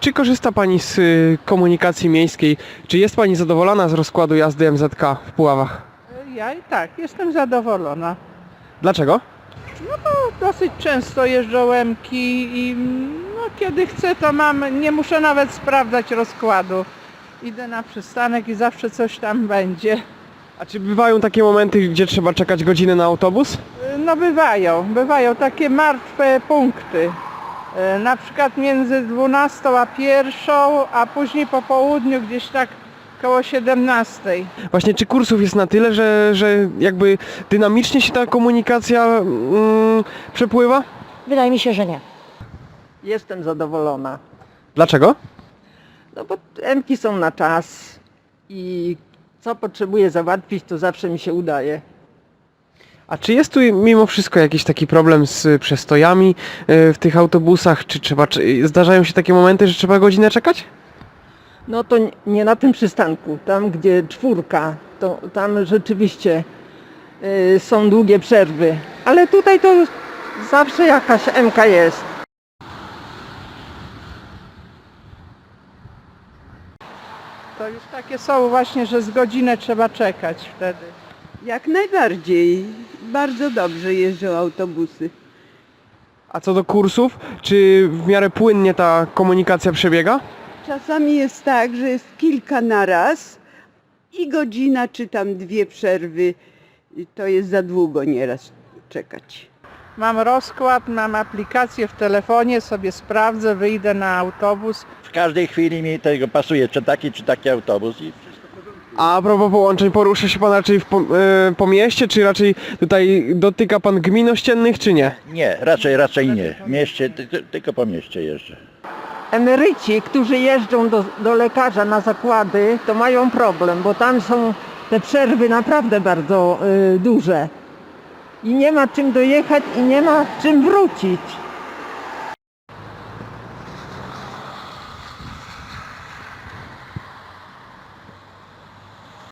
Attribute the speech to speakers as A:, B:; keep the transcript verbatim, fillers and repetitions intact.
A: czy korzysta Pani z y, komunikacji miejskiej? Czy jest Pani zadowolona z rozkładu jazdy M Z K w Puławach?
B: Ja i tak, jestem zadowolona.
A: Dlaczego?
B: Dosyć często jeżdżą M-ki i no, kiedy chcę, to mam, nie muszę nawet sprawdzać rozkładu. Idę na przystanek i zawsze coś tam będzie.
A: A czy bywają takie momenty, gdzie trzeba czekać godzinę na autobus?
B: No bywają, bywają takie martwe punkty. E, Na przykład między dwunastą a pierwszą, a później po południu gdzieś tak koło siedemnastej.
A: Właśnie, czy kursów jest na tyle, że, że jakby dynamicznie się ta komunikacja mm, przepływa?
C: Wydaje mi się, że nie.
D: Jestem zadowolona,
A: Dlaczego?
D: no bo M-ki są na czas i co potrzebuję załatwić, to zawsze mi się udaje.
A: A czy jest tu mimo wszystko jakiś taki problem z przestojami y, w tych autobusach? Czy trzeba, czy zdarzają się takie momenty, że trzeba godzinę czekać?
D: No to nie- nie na tym przystanku, tam gdzie czwórka, to tam rzeczywiście y, są długie przerwy, ale tutaj to zawsze jakaś M-ka jest.
B: To już takie są właśnie, że z godzinę trzeba czekać wtedy.
E: Jak najbardziej. Bardzo dobrze jeżdżą autobusy.
A: A co do kursów, czy w miarę płynnie ta komunikacja przebiega?
E: Czasami jest tak, że jest kilka na raz i godzina czy tam dwie przerwy. I to jest za długo nieraz czekać.
B: Mam rozkład, mam aplikację w telefonie, sobie sprawdzę, wyjdę na autobus.
F: W każdej chwili mi tego pasuje, czy taki, czy taki autobus. I
A: A propos połączeń, porusza się Pan raczej w, po, y, po mieście, czy raczej tutaj dotyka Pan gmin ościennych, czy nie?
F: nie, raczej, raczej nie. W mieście, ty, ty, tylko po mieście jeżdżę.
D: Emeryci, którzy jeżdżą do, do lekarza na zakłady, to mają problem, bo tam są te przerwy naprawdę bardzo y, duże. I nie ma czym dojechać i nie ma czym wrócić.